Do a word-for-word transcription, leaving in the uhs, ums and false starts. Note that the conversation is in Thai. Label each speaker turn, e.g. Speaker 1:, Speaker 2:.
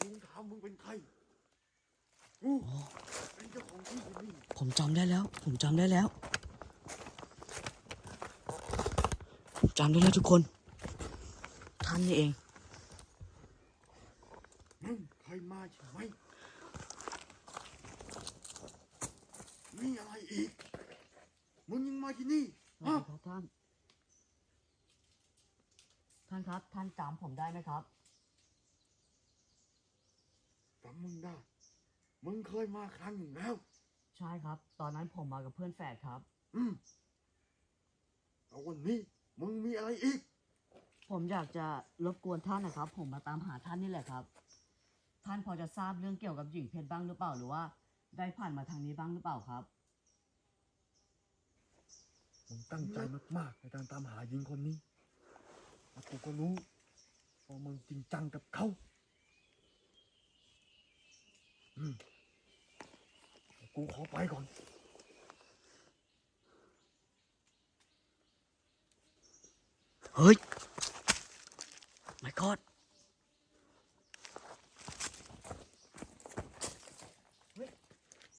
Speaker 1: ลุงถามมึงเป็นใครกูเป็นเจ้าของที่ที่นี่
Speaker 2: ผมจำได้แล้ว ผมจำได้แล้วผมจำได้แล้วทุกคนท่านนี่เอง
Speaker 1: มึงเคยมาใช่ไหมมีอะไรอีกมึงยังมาที่นี่
Speaker 2: สวัสดีครับท่านท่านครับท่านจำผมได้ไหมครับ
Speaker 1: จำมึงได้มึงเคยมาครั้งหนึ่งแล้ว
Speaker 2: ใช่ครับตอนนั้นผมมากับเพื่อนแฝดครับ
Speaker 1: อืมแต่วันนี้มึงมีอะไรอีก
Speaker 2: ผมอยากจะรบกวนท่านนะครับผมมาตามหาท่านนี่แหละครับท่านพอจะทราบเรื่องเกี่ยวกับหญิงเพชรบ้างหรือเปล่าหรือว่าได้ผ่านมาทางนี้บ้างหรือเปล่าครับ
Speaker 1: มึงตั้งใจมากๆในการตามหาหญิงคนนี้และกูก็รู้ว่ามึงจริงจังกับเขาอืมกูขอไปก่อน
Speaker 2: เฮ้ย